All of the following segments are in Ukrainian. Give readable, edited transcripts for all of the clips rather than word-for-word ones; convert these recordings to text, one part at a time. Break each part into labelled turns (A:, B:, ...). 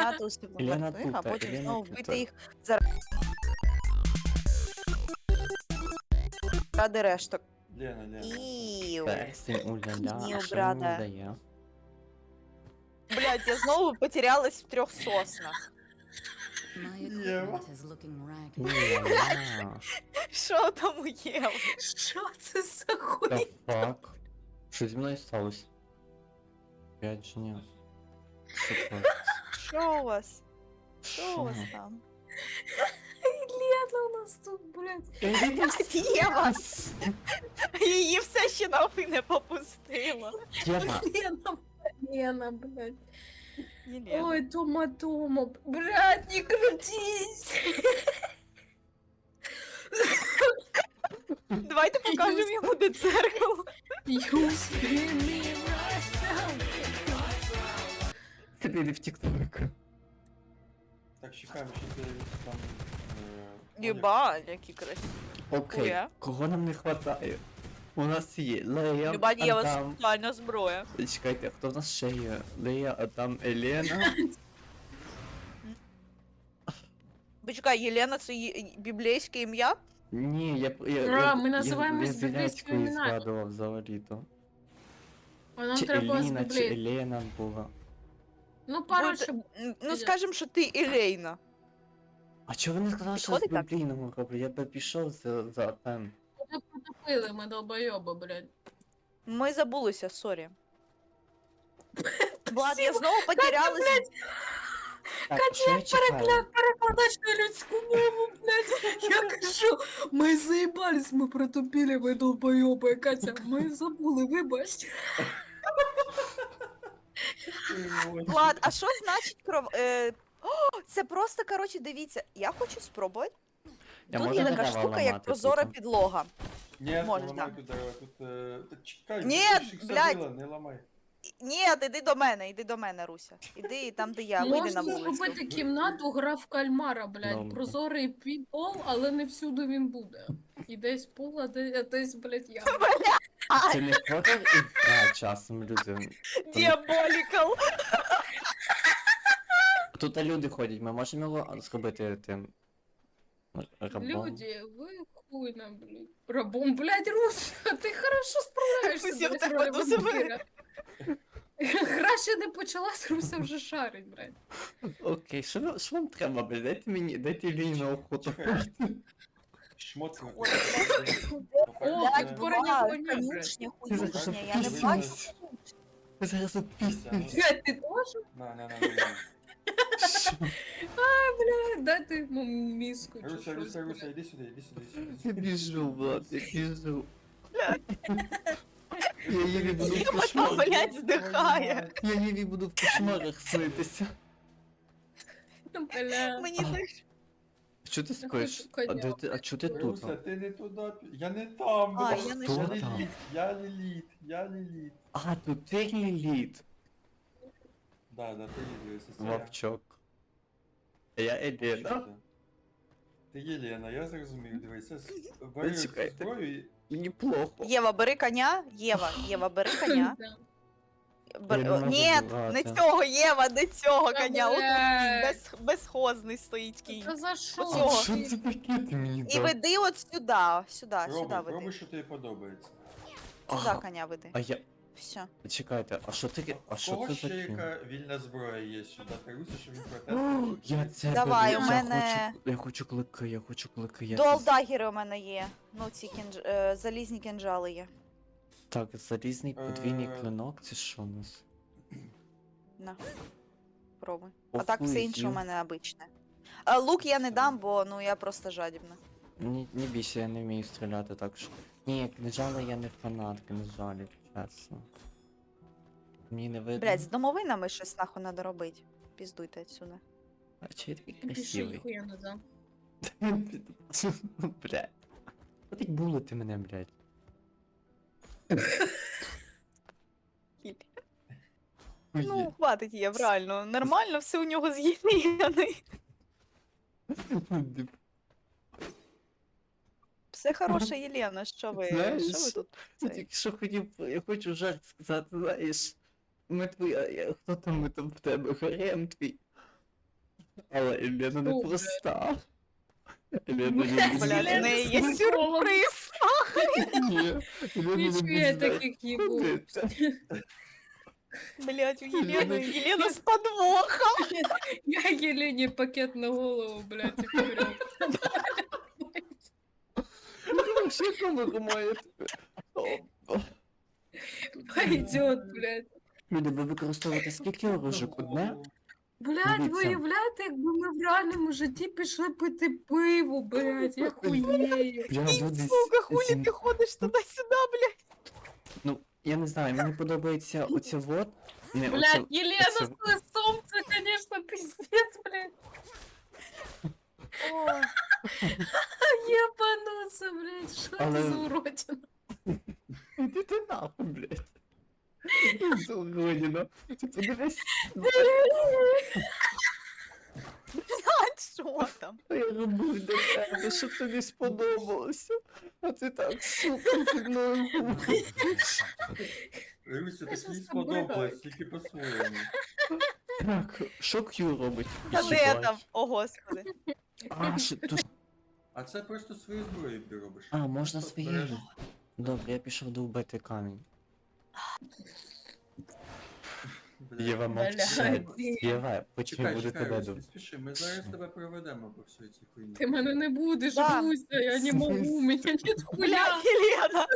A: поміняти у себе
B: Ілена
A: мертвих, а
B: тут,
A: потім
B: Ілена
A: знову
B: тут.
A: вбити їх заради решток.
C: Лена.
A: Іу.
B: Персень, уля-ля,
A: Ні,
B: а що він мені
A: брате.
B: дає?
A: Блядь, я знову потерялась в 3 соснах.
D: My
C: Yeah.
D: equipment is looking ragged.
B: Уля-ля.
A: Що там у Єви?
E: Що це за
B: The
E: хуй?
B: fuck? Що зі мною сталося? Опять же ні. Що це?
A: Що у вас? Що у вас
B: Що?
A: там?
E: Лена у нас тут, блядь.
A: Єва! Її все ще нахуй не попустило.
B: Єва,
E: Лена, блядь.
A: Єлена.
E: Ой, Тома, блядь, не крутись.
A: Давайте покажемо йому де дзеркало.
E: You spin me right now.
B: ти не в тік-ток.
C: Так, чекаємо, що ти там...
A: Єба, які красиві.
B: Окей,
A: Хуя.
B: кого нам не хватає? У нас є Лея,
A: Люба Єва
B: Адам...
A: сексуальна зброя.
B: Чекайте, хто в нас ще є? Лея, Адам, Елена.
A: Почекай, Єлена це біблійське ім'я?
B: Ні,
E: Ми називаємось
B: я
E: біблійськими
B: Зеленською
E: іменами.
B: згадував взагалі-то.
E: А нам
B: Чи
E: треба з
B: Еліна, чи
E: Біблії.
B: Елена була.
E: Ну, пара,
A: Будь-
E: щоб...
A: Ну скажем, що ти Ілейна.
B: А чого ви не сказали, що з
A: Підходить так?
B: біблійного роблю? Я би пішов за тем.
E: Ми потопили, ми долбойоби, блядь.
A: Ми забулися, сорі. Влад, я знову потерялась.
B: Так, що я чекаю?
E: Перекладач на людську мову, блядь. Я кажу, ми заїбались, ми протопили, ми долбойоби. Катя, ми забули, вибач.
A: Влад, а що значить кров... О, це просто, коротше, дивіться, я хочу спробувати.
B: Я
A: Тут
B: можу
A: є така
B: дерева
A: штука, як
B: ламати
A: прозора
B: тут?
A: підлога.
C: Ні,
A: Можеш,
C: не ламай
A: да.
C: тут дерева, тут... Та чекай,
A: Ні,
C: ти ж їх
A: блядь.
C: садила, не ламай.
A: Ні, іди до мене, Руся. Іди там, де я, вийди на
E: Можна
A: вулицю.
E: зробити кімнату, гра в кальмара,
B: Добре.
E: блядь. Прозорий пол, але не всюди він буде. І десь пол, а десь, блядь, я.
B: Це не хорор ігра часом, люди.
A: Діаболікал.
B: Тут люди ходять, ми можемо його зробити тим... рабом?
E: Люди, ви хуйна, блядь. Рабом, блядь, Русь, ти хорошо справляєшся,
A: Руся,
E: блядь,
A: в тебе
E: роли
A: дуже
E: вампіра. Гра ще не почалась, Руся вже шарить, блядь.
B: Окей, що вам треба, блядь? Дайте Іліні на охоту.
C: Чекай. Шмотки.
E: О,
A: Блядь,
E: Блядь,
A: була
E: коня,
A: конюшня,
B: Ти зараз
A: хуюшня, я не бачу.
B: опіснюсь. Ви зараз опіснюсь.
E: Блядь, ти теж?
C: На.
E: Блядь, дайте йому мізку чи
C: Руся,
E: щось.
C: іди сюди.
B: Я біжу, Влад, я біжу. Я її буду в
A: Єва там,
B: кошмарах.
A: блядь, здихає.
B: Я її буду в кошмарах снитися.
E: Бля.
A: Мені так...
B: Що ти спиш?
E: коня.
B: А чого ти тут?
C: Руся, ти не туди. Я не там,
A: А,
C: блядь.
A: я не
B: Хто
A: там.
B: там?
C: Я Ліліт.
B: А, тут ти Ліліт.
C: Да, ти Ліліт, сестра.
B: Вовчок. А я Елена.
C: Ти Єлена, я зрозумів, дивися. Бери
B: Чекайте.
C: зброю і...
B: Мені плохо.
A: Єва, бери коня. Єва, бери коня.
E: Да.
A: Бер...
B: Я не можу
A: Ні,
B: брати.
A: не цього, Єва, не цього
E: Та,
A: коня. Ось
E: блядь.
A: тут безхозний стоїть кінь.
E: Та за що?
A: Оцього.
B: Що це таке ти мені
A: І
B: дав?
A: веди от сюди, сюди
C: Роби,
A: веди.
C: що тобі подобається.
A: Сюди
B: Ага.
A: коня веди.
B: А я...
A: Все.
B: Чекайте, а що таке? А
C: В
B: що
C: кого
B: це
C: ще
B: за кінь?
C: яка вільна зброя є, що дати Русі, щоб він
B: О,
C: протестував?
B: я це
A: Давай,
B: беру,
A: у мене-
B: я хочу клики, я хочу клики. Я
A: Дуал
B: це-
A: дагери у мене є. Ну, ці залізні кінжали є.
B: Так, залізний подвійний
C: Е.
B: клинок, це що у нас?
A: На. Пробуй.
B: Ох,
A: А так все
B: ви,
A: інше
B: ю.
A: у мене обичне. А лук я не дам, бо ну я просто жадібна.
B: Не бійся, я не вмію стріляти так що. Ні, книжали я не фанат, книжалів, чесно. Мені не видно.
A: Блять, з домовинами щось нахуй надо робити. Піздуйте отсюди.
B: А чи я такий
E: Пиши,
B: красивий?
E: хуя не дам.
B: Блядь. Хватить булити мене, блядь.
A: Ну, хватить є, реально. Нормально, все у нього з'єднане. Все хороше, Єлена, що ви
B: Знаєш,
A: тут?
B: Я
A: цей?
B: тільки що хотів, я хочу жарт сказати, знаєш. Ми твої, хто там в тебе, гарем твій. Але Елена не
E: Добре.
B: проста. Елена
E: Блядь,
B: не
A: Блядь, в неї є сюрприз.
B: Ні, Елена не
E: Нічого я
B: буде
E: таких їбу.
B: ходити.
A: Блядь, у Єлена з подвохом.
E: Я Єлені пакет на голову, блядь, і вперед.
B: Вообще камеру маєте.
E: Пойдет, блядь.
B: Люди, ви використовуєте скільки оружок? Одне?
E: Блядь,
B: Дивіться.
E: виявляєте, якби ми в реальному житті пішли пити пиво, блядь, я хуєю.
B: Я десь
A: Сука, хулі
B: сім-
A: ти ходиш туди-сюди, блядь.
B: Ну, я не знаю, мені подобається оце вот. Не,
E: Блядь,
B: оце...
E: Елена
B: оце-
E: с лысом, це, конечно, пиздец, блядь.
A: О,
E: Ебануться, блядь, що
B: Але-
E: це за уродина?
B: Іди ти нахуй, блядь. Злодіна. Ти подивись,
A: а що там?
B: що я робив для тебе, щоб тобі сподобалося. А ти так, сука, зі мною говориш.
C: Руся,
E: Я
C: так
E: щас
C: їй
E: з тобою
C: сподобалось,
E: граю.
C: тільки по-своєму.
B: Так, що К'ю робить?
A: Та де
B: Їбать.
A: там? О, господи.
B: А, що, то...
C: А це просто свою зброю ти робиш.
B: А, можна
C: Просто
B: своєю.
C: береш-
B: Добре, я пішов довбити камінь.
C: Блядь.
B: Єва мовчать.
E: Блядь.
B: Єва, почему
C: Чекай,
B: буду
C: чекай,
B: тебе
C: Русь,
B: дум.
C: не спіши, ми зараз тебе проведемо по всій цій хуйні.
E: Ты мене не будеш,
A: Да.
E: Руся, я не могу, у меня нет хуя.
A: Блядь, Єлена.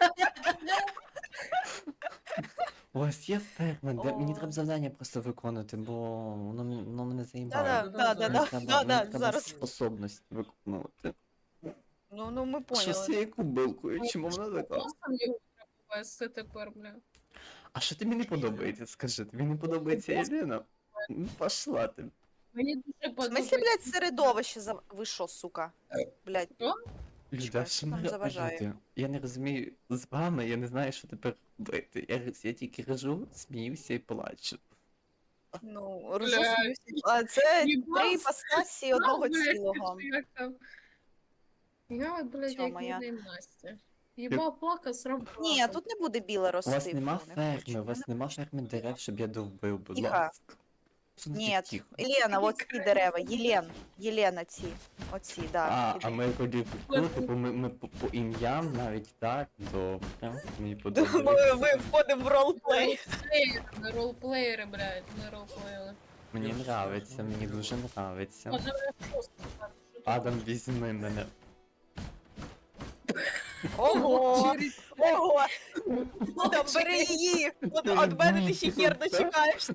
B: У вас є ферма, де мені
A: О.
B: треба завдання просто виконати, бо воно мене заїбало.
A: Да-да, да-да-да,
B: Мені треба
A: зараз.
B: способність виконувати.
A: Ну, ми
B: Що з
A: поняли.
B: цією кубилкою? Чому вона така?
E: Просто мені треба вести тепер, бля.
B: А що тобі не подобається? Скажи, тобі не подобається Єлена? Ну, пошла ти.
E: Мені дуже
A: В смысле,
E: подобається.
A: блядь, середовище за... Ви що, сука? Блядь.
B: Люда,
A: Чекай,
B: що
A: що там
B: мене
A: заважає?
B: люди? Я не розумію з вами, я не знаю, що тепер робити. Я тільки режу, сміюся і плачу.
A: Ну,
E: Блядь.
A: розуміюся. А це
E: Єбать.
A: три іпостасі одного
E: Блядь,
A: цілого.
E: як там? Я, блядь,
A: Чо
E: як
A: моя?
E: не Настя. Єба плака сработала.
A: Ні, тут не буде біле
B: У
A: рости.
B: вас нема
A: фу, не
B: ферми,
A: хочу.
B: у вас нема ферми дерев, щоб я довбив, будь
A: Тихо.
B: ласка. Що не
A: Ні,
B: так тихо?
A: Єлена, от ці дерева. Єлена ці. Оці, да.
B: А ми тоді типу, ми по ім'ям навіть так, добре. Мені
A: Ми
B: подобається.
A: входимо в ролплей.
E: Ми ролплеєри, блядь, ми ролплеєри.
B: Мені нравиться, мені дуже нравиться.
E: А давай просто так, що тут?
B: Адам, візьми мене.
A: Ого! Ого! Та бери її! От мене ти ще хер дочекаєшся.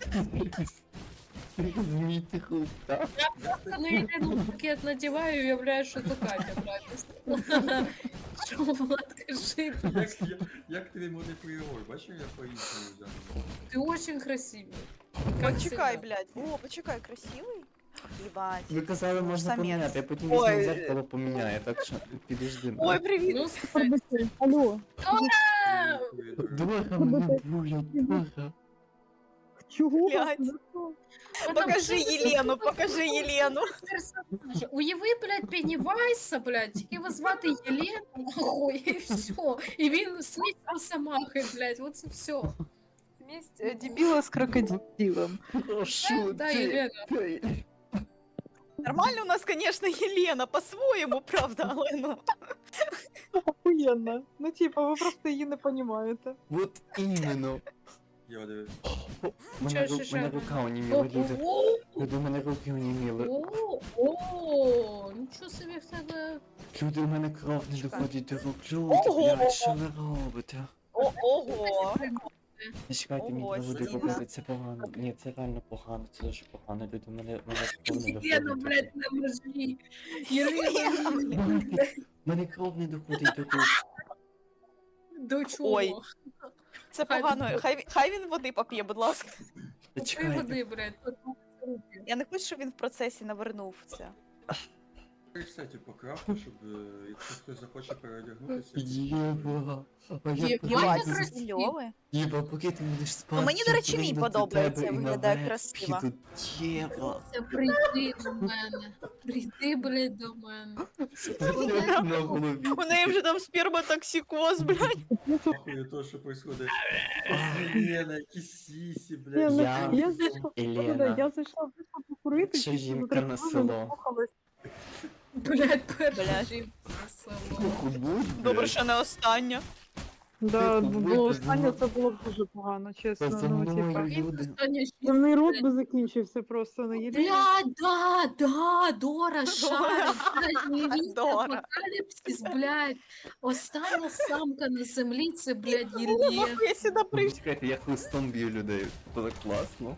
B: Змійте хуй, так?
E: Я на Єлену пакет надіваю і уявляю, що це Катя, блядь. Що, Влад, кажи,
C: Як тобі модний приговор? Бачиш, я по-іншому взяв?
E: ти очень красивий. Как
A: Почекай,
E: всегда.
A: блядь. О, почекай, красивий? Єбать.
B: Ви казали, можна
A: Самець.
B: поміняти, я потім
A: Ой.
B: візьму зеркало поміняю, так що підожди.
A: Ой, привіт.
E: Ну, кстати.
F: Алло,
B: Дорога мене булять, дорога.
F: чого?
A: Блядь. Покажи Єлену, покажи Єлену.
E: персонажі. Уяви, блядь, Пеннівайса, блядь, тільки його звати Єлена, нахуй, і все. І він сміть Росомахи, блядь, оце все.
F: Месть дебила с крокодилом.
B: Прошу,
E: Да,
B: ти.
E: Єлена.
A: Нормально у нас, конечно, Єлена, по-своєму, правда, але ну.
F: Охуенно. Ну типа, вы просто її не понимаете.
B: Вот іменно.
C: Я дивився.
B: Мене
E: Що?
B: рука оніміла, люди.
E: О,
B: Люди, у мене руки оніміли.
E: о, нічого собі в тебе.
B: Люди, у мене кров не
A: Чекай.
B: доходить до рук. Люди,
A: Ого!
B: блядь, що ви робите?
A: Ого.
B: Не чекайте, мені
A: Ого,
B: треба води
A: стіна.
B: попити, це погано. Ні, це реально погано, це дуже погано. Люди, мене кров не
E: Єлена,
B: доходить.
E: блядь, на межі. Єлена,
B: Мене кров не доходить до рук.
E: до чого?
A: Ой. Це погано. Хай він води поп'є, будь ласка.
B: Та
E: Купи
B: чекайте.
E: води, блядь, тут руки.
A: Я не хочу, щоб він в процесі навернув це.
C: Ресеті по крафту, щоб якщо хтось захоче переодягнутися.
B: Єва. А я
E: Єва,
B: поки
A: Єбать,
E: це
B: ти-
E: красиво.
A: кльове.
B: Єва, поки ти будеш спати.
A: Ну, мені, до
B: я
A: речі, мій
B: прийду до
A: подобається,
B: тебе і
A: виглядає
B: наверх
A: красиво.
B: піду. Єва.
E: Це прийди до мене. Прийди, блядь, до мене.
B: Спочатку на голові.
A: У неї вже там сперматоксикоз, блядь.
C: Нахуй то, що происходить. Лена, якісь сісі,
F: Ні,
C: блядь.
F: ну,
B: Я-
F: я зайшла,
B: Елена.
F: я зайшла вийшла покурити,
B: Якщо
F: чисто
B: жінка
F: за
B: на
F: телефоном,
B: село.
F: наслухалась.
E: Блядь, перша
A: Блядь.
E: жінка на село.
A: Добре, що не остання.
F: Да,
B: Ти
F: бо
B: побудь,
F: останнє
B: ти
F: це було б дуже погано, чесно.
B: За
F: Ну,
B: мною
F: типа.
B: люди.
E: Остання жінка.
F: Земний рот би закінчився просто на єдине.
E: Блядь, да, Дора шарить, блядь, невіста,
A: Дора.
E: апокаліпсис, блядь. Остання самка на землі, це, блядь, Єлє.
A: Я сюди прийшла.
B: Чекайте, я хлистом б'ю людей. Це так класно.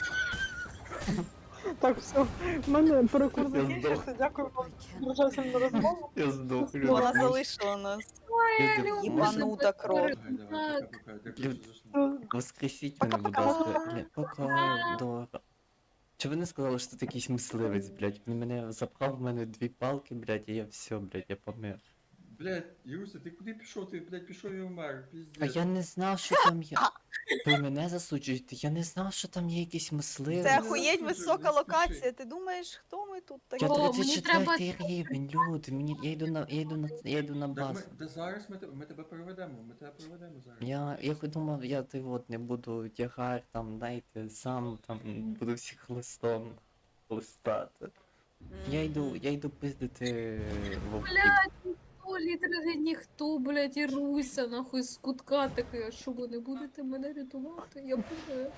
F: Так, все, в мене перекур
B: Я
F: закінчився, дякую вам дуже сильно розмову.
B: Я здох, люди.
A: Вона залишила нас.
B: Люди,
A: Єбанута кров.
C: Давай, давай, пока-пока. Дякую, що зайшли.
B: Воскресіть мене, будь ласка. Пока, Дора. Чи ви не сказали, що тут якийсь мисливець, блядь? Він мене запхав в мене 2 палки, блядь, і я все, блядь, я помер.
C: Блядь, Юруся, ти куди пішов? Ти, блядь, пішов і умер,
B: А
C: піздець.
B: я не знав, що там є. Ви мене засуджуєте, я не знав, що там є якийсь мисливець.
A: Це
C: не
A: охуєть
C: засуджуй,
A: висока
C: не спіши.
A: локація. Ти думаєш, хто ми тут такі?
B: Я
E: О, мені
B: 34 рівень, люди, я йду на
C: Так
B: базу.
C: ми, да зараз ми тебе проведемо, ми тебе проведемо зараз.
B: Я думав, я ти от не буду тягар там, знаєте, сам там буду всіх листом листати. Я йду пиздити вовків.
E: Блядь, ніхто, літералі ніхто, блядь, і Руся, нахуй, з кутка такий, а що ви не будете мене рятувати? Я буду.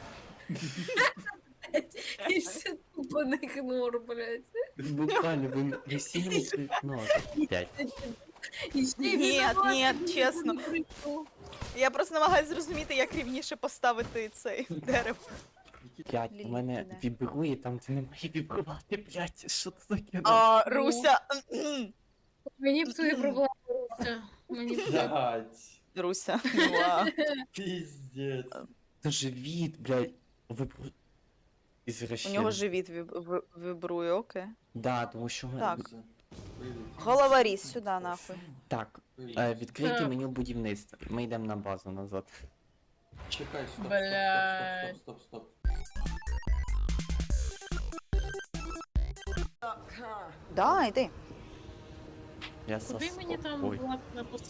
E: І все тупо не ігнор, блядь.
B: Буквально ви сіли нож. 5.
E: І ще й
A: Ні,
E: винуватий,
A: ні,
E: ніхто
A: чесно.
E: не прийшов.
A: Я просто намагаюся зрозуміти, як рівніше поставити цей дерево.
B: 5. У мене
A: Ліліт іде.
B: вібрує там, де не має вібрувати, блядь. Що це таке?
A: А, Руся.
E: Мені б твої проблеми, Руся. Мені б твої
C: Блядь,
A: Руся. Мила.
C: піздець.
B: Це живіт, блядь.
A: У
B: Ізвращен.
A: нього живіт вибрує, окей.
B: Да, тому що ми...
A: Так.
C: Юруся, вийди.
A: Головоріз сюди, нахуй.
B: Так,
C: Вийди.
B: відкрийте
E: Так.
B: меню будівництва. Ми йдемо на базу назад.
C: Чекай, стоп,
E: Блядь.
C: стоп, стоп, стоп, стоп.
A: Да, йди.
B: Я
E: Куди мені там
B: Ой.
E: влад на